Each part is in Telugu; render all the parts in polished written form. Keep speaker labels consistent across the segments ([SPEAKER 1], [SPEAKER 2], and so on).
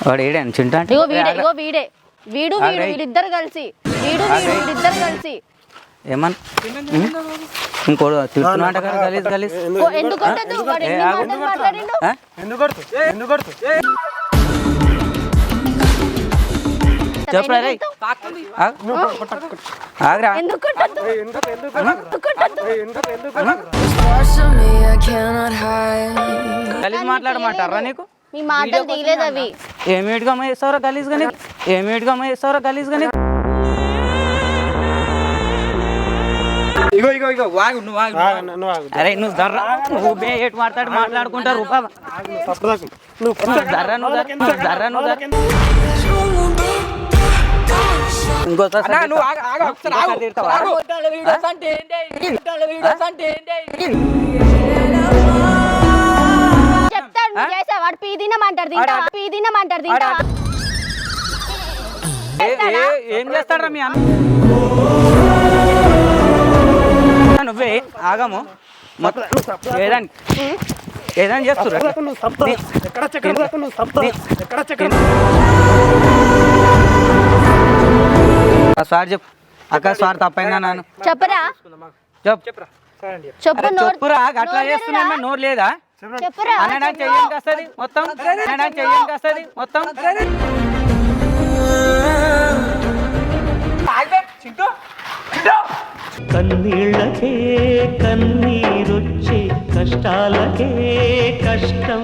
[SPEAKER 1] వాడు ఏడాను చింటా అంటే
[SPEAKER 2] వీడిద్దరు కలిసి వీడిద్దరు కలిసి
[SPEAKER 1] ఏమన్నా ఇంకోడు తిడుతున్నమాట కదా గలీజ్ గలీజ్
[SPEAKER 2] ఎందుకు కొట్టదు వాడు ఎన్ని మాటలు మాట్లాడిండు
[SPEAKER 1] చెప్పురా రే ఆగ్రా
[SPEAKER 2] ఎందుకు కొట్టదు
[SPEAKER 1] గలీజ్ మాట్లాడమంటారా నీకు
[SPEAKER 2] మీ మాటలు దిగలేదు అవి
[SPEAKER 1] ఏమిటిగా వేస్తావరా గలీజ్ గానీ ఏమిటిగా వేస్తావరా గలీజ్ గానీ ఇగో వాగు నువ్వు అరే నువ్వు దర్రా నువ్వు ఏటు మాట్లాడుకుంటారు ఇంకోసారి
[SPEAKER 2] చెప్తాడు నువ్వు చేసా వాడు పీదినమంటారు తింటా
[SPEAKER 1] ఏం చేస్తాడ్రా మీ అన్న నువ్వే ఆగము ఏదని చేస్తున్నా సార్ చెప్పు అక్క సార్ తప్పైందా నాన్న
[SPEAKER 2] చెప్పరా చెప్పు
[SPEAKER 1] చెప్పురా అట్లా చేస్తున్నా నోరు లేదా
[SPEAKER 2] చెప్పురా
[SPEAKER 1] అనడానికి చెయ్యం కాస్తుంది మొత్తం
[SPEAKER 3] కన్నీళ్ళకే కన్నీరొచ్చే కష్టాలకే కష్టం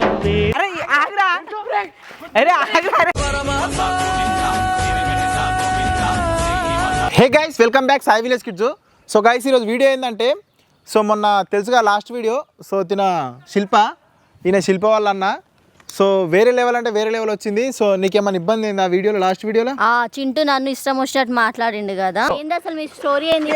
[SPEAKER 4] hey guys welcome back Sai village kids. So guys ఈరోజు వీడియో ఏంటంటే సో మొన్న తెలుసుగా లాస్ట్ వీడియో సో ఈయన శిల్ప వాళ్ళ అన్న సో వేరే లెవెల్ అంటే వేరే లెవెల్ వచ్చింది. సో నీకేమైనా ఇబ్బంది అయింది ఆ వీడియోలో లాస్ట్ వీడియోలో?
[SPEAKER 2] చింటూ నన్ను ఇష్టం వచ్చినట్టు మాట్లాడిండు కదా. ఏంది అసలు మీ స్టోరీ ఏంది?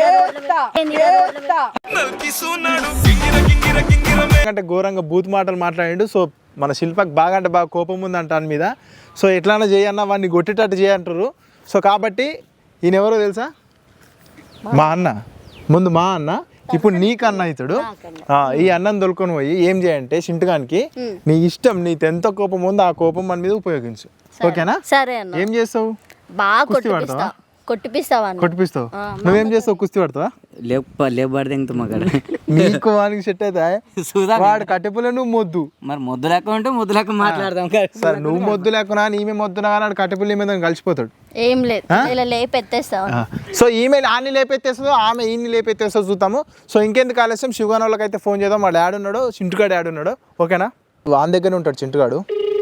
[SPEAKER 4] అంటే ఘోరంగా బూత్ మాటలు మాట్లాడిండు. సో మన శిల్పకి బాగా అంటే బాగా కోపం ఉంది అంట దాని మీద. సో ఎట్లన్నా చేయన్నా వాడిని కొట్టేటట్టు చేయంటారు. సో కాబట్టి ఈయన ఎవరో తెలుసా? మా అన్న. ముందు మా అన్న, ఇప్పుడు నీకన్నా ఇతడు. ఈ అన్నం దొరుకుని పోయి ఏం చేయంటే చింటగానికి నీ ఇష్టం, నీకు ఎంత కోపం ఉందో ఆ కోపం మన మీద ఉపయోగించు. ఓకేనా?
[SPEAKER 2] సరే అన్న.
[SPEAKER 4] ఏం చేస్తావు?
[SPEAKER 2] బాగా
[SPEAKER 4] కొట్టిపిస్తావు. నువ్వేం చేస్తావు? కుస్తీ పడతావా?
[SPEAKER 1] లేపబడి
[SPEAKER 4] నీకు వానికి సెట్ అయితే వాడు కట్టెపులే, నువ్వు మొద్దు.
[SPEAKER 1] మరి మొద్దు లెక్క ఉంటే మొద్దు లెక్క మాట్లాడదాం.
[SPEAKER 4] సరే నువ్వు మొద్దు లేకున్నా నీమే మొద్దునా కానీ వాడు కట్టెపుల్లి మీద కలిసిపోతాడు.
[SPEAKER 2] ఏం లేదు ఇలా లేపెత్తేస్తావు.
[SPEAKER 4] సో ఈమె ఆన్ని లేపెత్తేస్తుందో ఆమె ఈయన్ని లేపెత్తేస్తో చూద్దాము. సో ఇంకెందుకు ఆలస్యం, శివగాన్ వాళ్ళకి అయితే ఫోన్ చేద్దాం. వాడు యాడ్ ఉన్నాడు, చింటుగాడు యాడ్ ఉన్నాడు. ఓకేనా? వాని దగ్గరనే ఉంటాడు చింటుగాడు.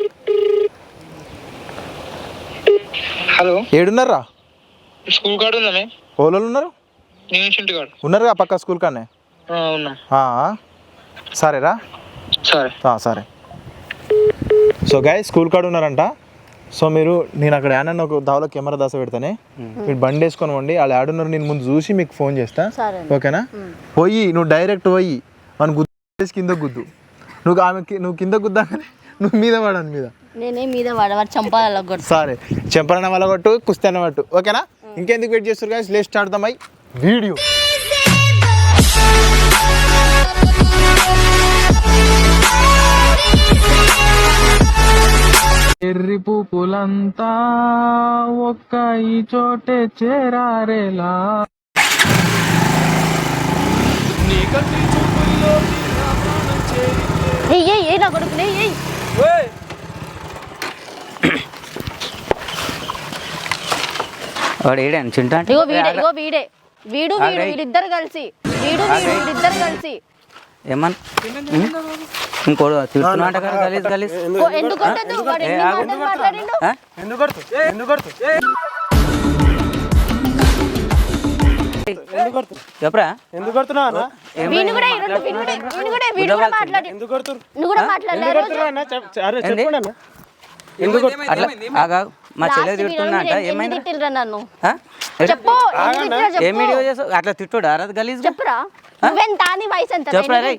[SPEAKER 5] హలో,
[SPEAKER 4] ఏడున్నారా?
[SPEAKER 5] స్కూల్ కార్డు ఉందా?
[SPEAKER 4] ఓలో ఉన్నారు?
[SPEAKER 5] నేను చింటుగాడు
[SPEAKER 4] ఉన్నారుగా పక్క స్కూల్ కానే. సరేరా, సరే. సో గాయ స్కూల్ కార్డు ఉన్నారంట. సో నేను అక్కడ యాడన్న ఒక దావలో కెమెరా దాస పెడతానే, మీరు బండి వేసుకొని పోండి. వాళ్ళు యాడున్నారు నేను ముందు చూసి మీకు ఫోన్ చేస్తా. ఓకేనా? పోయి నువ్వు డైరెక్ట్ పోయి మన గుద్దు కింద గుద్దు. నువ్వు కింద గుద్దా నువ్వు మీద పడాను మీద.
[SPEAKER 2] నేనే మీద వాడు చంపాల.
[SPEAKER 4] సరే, చెంపలన్న వల్ల కొట్టు, కుస్తీ అన్న పట్టు. ఓకేనా? ఇంకెందుకు వెయిట్ చేస్తారు guys, let's start the my video.
[SPEAKER 6] ఎర్రి పూపులంతా ఒక్క ఈ చోటే చేరారేలా.
[SPEAKER 2] నా కొడుకు
[SPEAKER 1] వాడు ఏడాను చింటా అంటే
[SPEAKER 2] వీడిద్దరు కలిసి
[SPEAKER 1] ఏమన్నా ఇంకోడు తిడుతున్నమాట కదా గలీజ్ గలీజ్
[SPEAKER 2] ఎందుకు కొట్టదు వాడు ఎన్ని మాటలు మాట్లాడిండు
[SPEAKER 1] చెప్పరా మా చెల్లె తిడుతున్నా అంట. ఏమైంది?
[SPEAKER 2] నన్ను
[SPEAKER 1] ఏం వీడియో చేసావు? అట్లా తిట్టుడా గలీజ్?
[SPEAKER 2] చెప్పరా నువ్వెంత నీ వయసు ఎంత?
[SPEAKER 1] చెప్పరా రే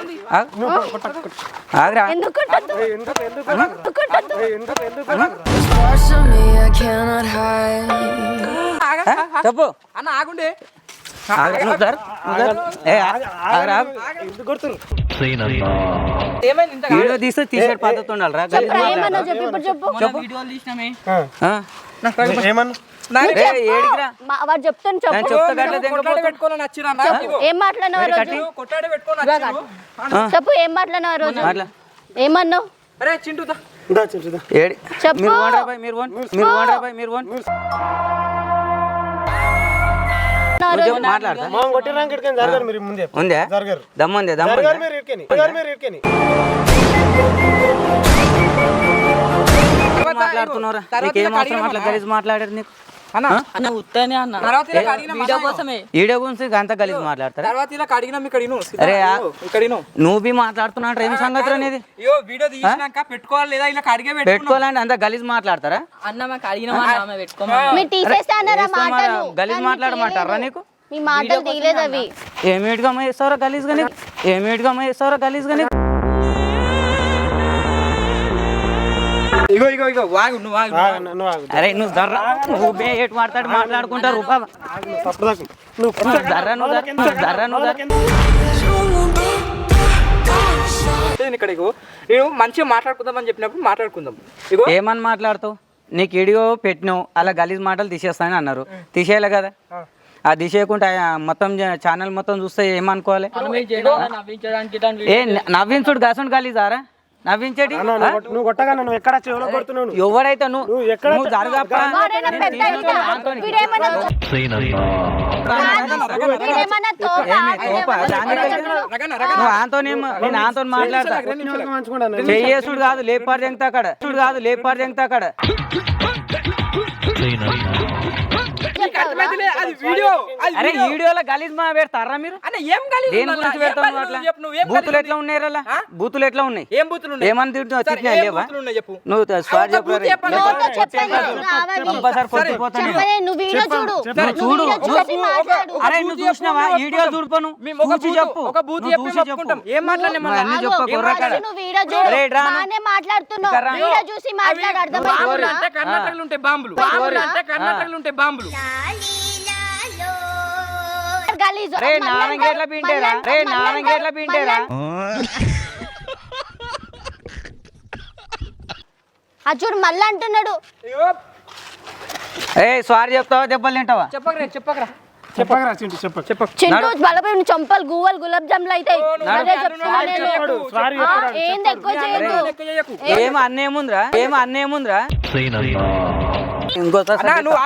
[SPEAKER 1] ఆగ్రా చెప్పు
[SPEAKER 6] అన్న ఆగుండే.
[SPEAKER 1] వీడియో తీస్తే తీసే పద్ధతి ఉండాలిరా.
[SPEAKER 2] ఏమన్నా చెప్పు ఇప్పుడు చెప్పు
[SPEAKER 1] ఏడికిరా
[SPEAKER 2] వాడు చెప్తాను చెప్పు చెప్పు ఏం మాట్లాడినావు రోజు చెప్పు ఏం మాట్లాడినావు రోజు ఏమన్నావు
[SPEAKER 1] ఏడి
[SPEAKER 2] చెప్పు
[SPEAKER 1] మీరు ఓనరా బాయ్, మీరు ఓన్, మీరు ఓనరా బాయ్, మీరు ఓన్. నువ్వు చెప్పు, మాట్లాడతా ఉందే దమ్ముందే మాట్లాడుతున్నారా? నీకేం అవసరం అట్లా గలీజ్ మాట్లాడారు నీకు? వీడియో గురించి అంత గలీజ్ మాట్లాడతారా? అరే నువ్వు బి మాట్లాడుతున్నావు ఏం సంగతి అనేది? పెట్టుకోవాలంటే అంత గలీజ్ మాట్లాడతారా?
[SPEAKER 2] మీరు తీసేస్తే అన్నారా మాటలు
[SPEAKER 1] గలీజ్ మాట్లాడమంటారా నీకు?
[SPEAKER 2] మీ మాటలు తీయలేదు అవి
[SPEAKER 1] ఏమిటిగా చేస్తారో గలీజ్ గానీ, ఏమిటిగా చేస్తారో గలీజ్ గానీ. అరే నువ్వు దర్రా, నువ్వు బే ఎటు మాట్లాడి మాట్లాడుకుంటారు రూపా దర్రా, నువ్వు దర్రా, నువ్వు
[SPEAKER 7] ఇక్కడ నేను మంచిగా మాట్లాడుకుందామని చెప్పినప్పుడు మాట్లాడుకుందాం. ఇగో
[SPEAKER 1] ఏమని మాట్లాడుతావు? నీకు వీడియో పెట్టినావు, అలా గలీజ్ మాటలు తీసేస్తానని అన్నారు, తీసేయాలి కదా. ఆ తీసేయకుండా మొత్తం ఛానల్ మొత్తం చూస్తే ఏమనుకోవాలి? ఏ నవ్వించుడు గసుడు గలీజారా? నవ్వించేటి ఎవడైతే నువ్వు జరగప్ప నువ్వు ఆంతోని నేను ఆంతో మాట్లాడతా. చెయ్యేసుడు కాదు లేపారు జంగుతా అక్కడ, కాదు లేపారు జంగుతా అక్కడ. అరే వీడియోలో గలీజ్ మా పెడతారా మీరు? దేని గురించి పెడతావు అట్లా? బూతులు ఎట్లా ఉన్నాయి? అలా బూతులు ఎట్లా ఉన్నాయి? ఏమని తిట్టినా లేవా? నువ్వు స్వార్ చెప్పు. చూడు అరే నువ్వు చూసినావా? వీడియో చూడుకోను చూసి చెప్పు. అన్ని చెప్పు కుర్రకాడ. రే నారంగేట్ల పింటేరా, రే నారంగేట్ల పింటేరా.
[SPEAKER 2] చూడు మళ్ళీ అంటున్నాడు.
[SPEAKER 1] ఏ సారీ చెప్తావా దెబ్బలు తింటావా?
[SPEAKER 2] చింటూ బలపై చంపలు గువ్వలు గులాబ్ జాములు అవుతాయి. ఏంది ఎక్కువ చేయదు.
[SPEAKER 1] ఏం అన్నేముందిరా, ఏం అన్నేముందిరా? ఇంకోసారి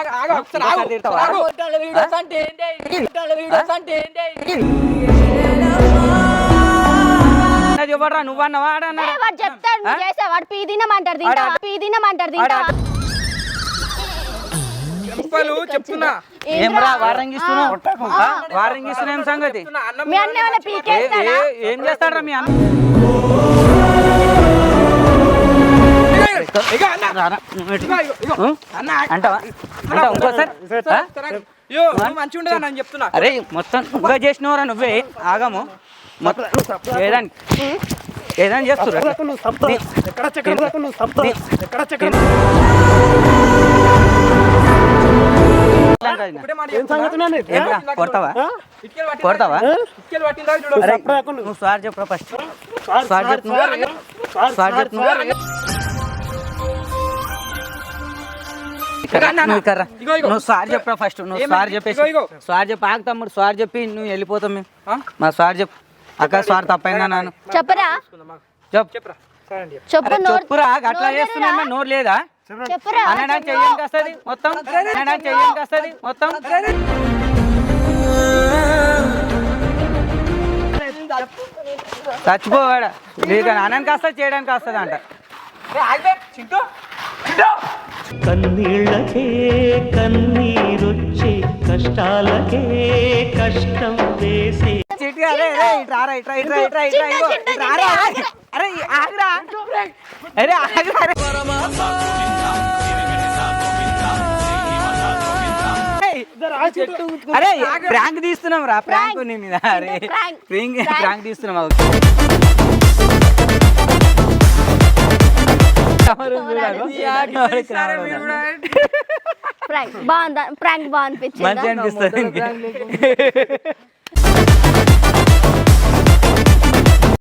[SPEAKER 1] చెప్పరా? నువ్వన్నావా ఆడన్నాడు?
[SPEAKER 2] వాడు చెప్తాడు నువ్వు చేసా. వాడు పీదినమంటారు తింటా, పీదినమంటారు తింటా.
[SPEAKER 1] ఏమరా వారంగిస్తున్నావు? వారంగిస్తున్నా ఏం సంగతి?
[SPEAKER 2] మీ అన్న ఏమైనా పీకేస్తాడా?
[SPEAKER 1] ఏం చేస్తాడరా మీ అన్న? అంటావా? ఇంకోసారి అరే మొత్తం నువ్వే చేసినవరా? నువ్వే ఆగము మొత్తం ఏదైనా చేస్తురా? కొడతావా? కొడతావా? నువ్వు సార్ చెప్పరా ఫస్ట్? సార్ చెప్పు, సార్ చెప్పు. నువ్వు సార్ చెప్పరా ఫస్ట్? నువ్వు సార్ చెప్పేసి సార్ చెప్పి ఆగు తమ్ముడు. సార్ చెప్పి నువ్వు వెళ్ళిపోతాం మేము. మా సార్ చెప్పు. అక్క సార్ తప్పైందా నాను
[SPEAKER 2] చెప్పరా?
[SPEAKER 1] చెప్పురా. అట్లా చేస్తున్నా నోరు లేదా? అనడానికి చెయ్యడానికి వస్తుంది మొత్తం, అనడానికి చెయ్యడానికి వస్తుంది మొత్తం. చచ్చిపోవాడా? అనడానికి వస్తుంది చేయడానికి వస్తుంది అంట.
[SPEAKER 3] కన్నీళ్ళకే కన్నీరొచ్చే కష్టాలకే కష్టం వేసే
[SPEAKER 1] అరే ప్రాంక్ తీస్తున్నాం రా, ప్రాంక్ నీ మీద. అరే ప్రాంక్ తీస్తున్నాం.
[SPEAKER 2] ప్రాంక్ బాగుందా? ప్రాంక్ బాగా
[SPEAKER 1] మంచిగా
[SPEAKER 2] అనిపించిందా?
[SPEAKER 1] అనిపిస్తుంది